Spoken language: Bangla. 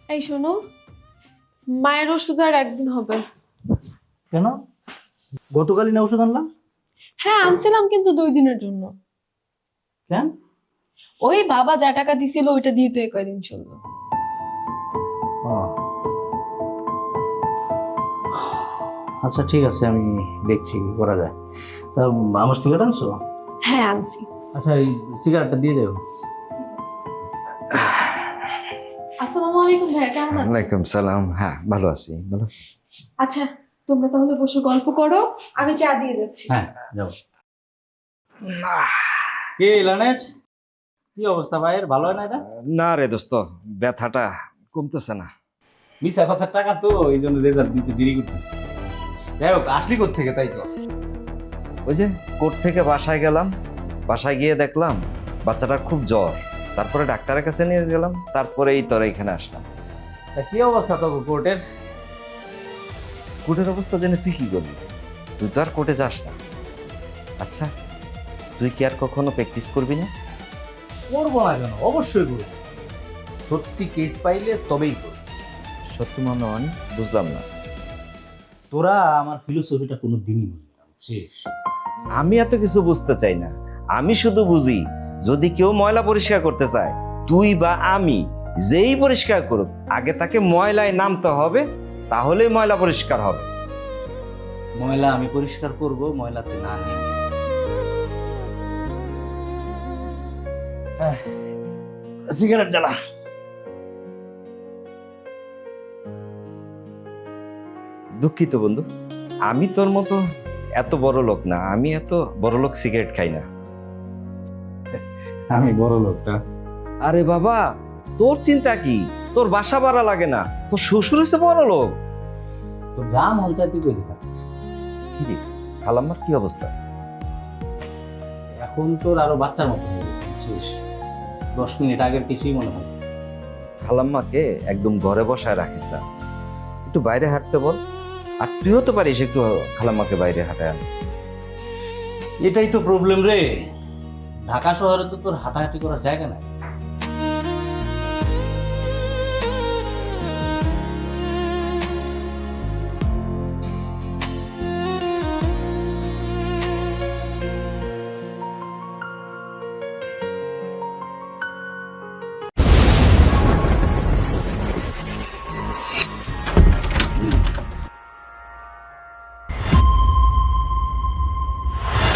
এই শোনো, মায়ের ওষুধ আর একদিন হবে। কেন? গতকালই না ওষুধ আনলাম। হ্যাঁ আনছিলাম, কিন্তু 2 দিনের জন্য। কেন? ওই বাবা যা টাকা দিছিল ওইটা দিয়ে তো কয়দিন চললো। ও, আচ্ছা ঠিক আছে, আমি দেখছি কি করা যায়। তা আমার সিগারেট আনছো? হ্যাঁ আনছি। আচ্ছা এই সিগারেটটা দিয়ে দেবো। আসসালামু আলাইকুম ভাইয়া, কেমন আছেন? ওয়ালাইকুম সালাম। হ্যাঁ, ভালো আছি, ভালো আছি। আচ্ছা তোমরা তাহলে বসে গল্প করো, আমি চা দিয়ে যাচ্ছি। হ্যাঁ যাও। কে ইলানের কি অবস্থা ভাইয়ের? ভালো হয় না এটা? না রে দোস্ত, ব্যথাটা কমতেছে না। মিশা কথার টাকা তো, এই জন্য রেজাল্ট দিতে দেরি করতেছে। যাই হোক, আসলি থেকে তাই তো। ওই যে কোর্ট থেকে বাসায় গেলাম, বাসায় গিয়ে দেখলাম বাচ্চাটার খুব জ্বর। তারপরে ডাক্তারের কাছে নিয়ে গেলাম, তারপরে এই তোরা এখানে আসলাম। তা কি অবস্থা তো কোর্টের? কোর্টের অবস্থা জেনে তুই কি করবি? তুই তো আর কোর্টে যাস না। আচ্ছা, তুই কি আর কখনো প্র্যাকটিস করবি না? করবো না কেন? অবশ্যই করবো। সত্যি কেস পাইলে তবেই করবো। সত্যি মনে হয় বুঝলাম না। তোরা আমার ফিলোসফিটা কোনো দিনই বুঝবি না, বুঝছিস? আমি এত কিছু বুঝতে চাই না, আমি শুধু বুঝি যদি কেউ ময়লা পরিষ্কার করতে চায়, তুই বা আমি যেই পরিষ্কার করুক, আগে তাকে ময়লায় নামতে হবে, তাহলেই ময়লা পরিষ্কার হবে। ময়লা আমি পরিষ্কার করব, ময়লাতে না নেমে। সিগারেট জ্বালা। দুঃখিত বন্ধু, আমি তোর মতো এত বড় লোক না, আমি এত বড় লোক সিগারেট খাই না। আমি বড় লোকটা। আরে বাবা, তোর চিন্তা কি? তোর বাসা ভাড়া লাগে না, তোর শ্বশুর হচ্ছে বড় লোক। তো যা মন চাই তুই করে থাকিস। কি রে, খালাম্মার কি অবস্থা? এখন তোর আরো বাচ্চার মতো হয়ে গেছে, বুঝছিস? 10 মিনিট আগের কিছুই মনে হয়। খালাম্মাকে একদম ঘরে বসায় রাখিস না, একটু বাইরে হাঁটতে বল। আর তুইও তো পারিস একটু খালাম্মাকে বাইরে হাঁটায় আন। এটাই তো প্রবলেম রে। ঢাকা শহরে তো তোর হাঁটাহাঁটি করার জায়গা নাই।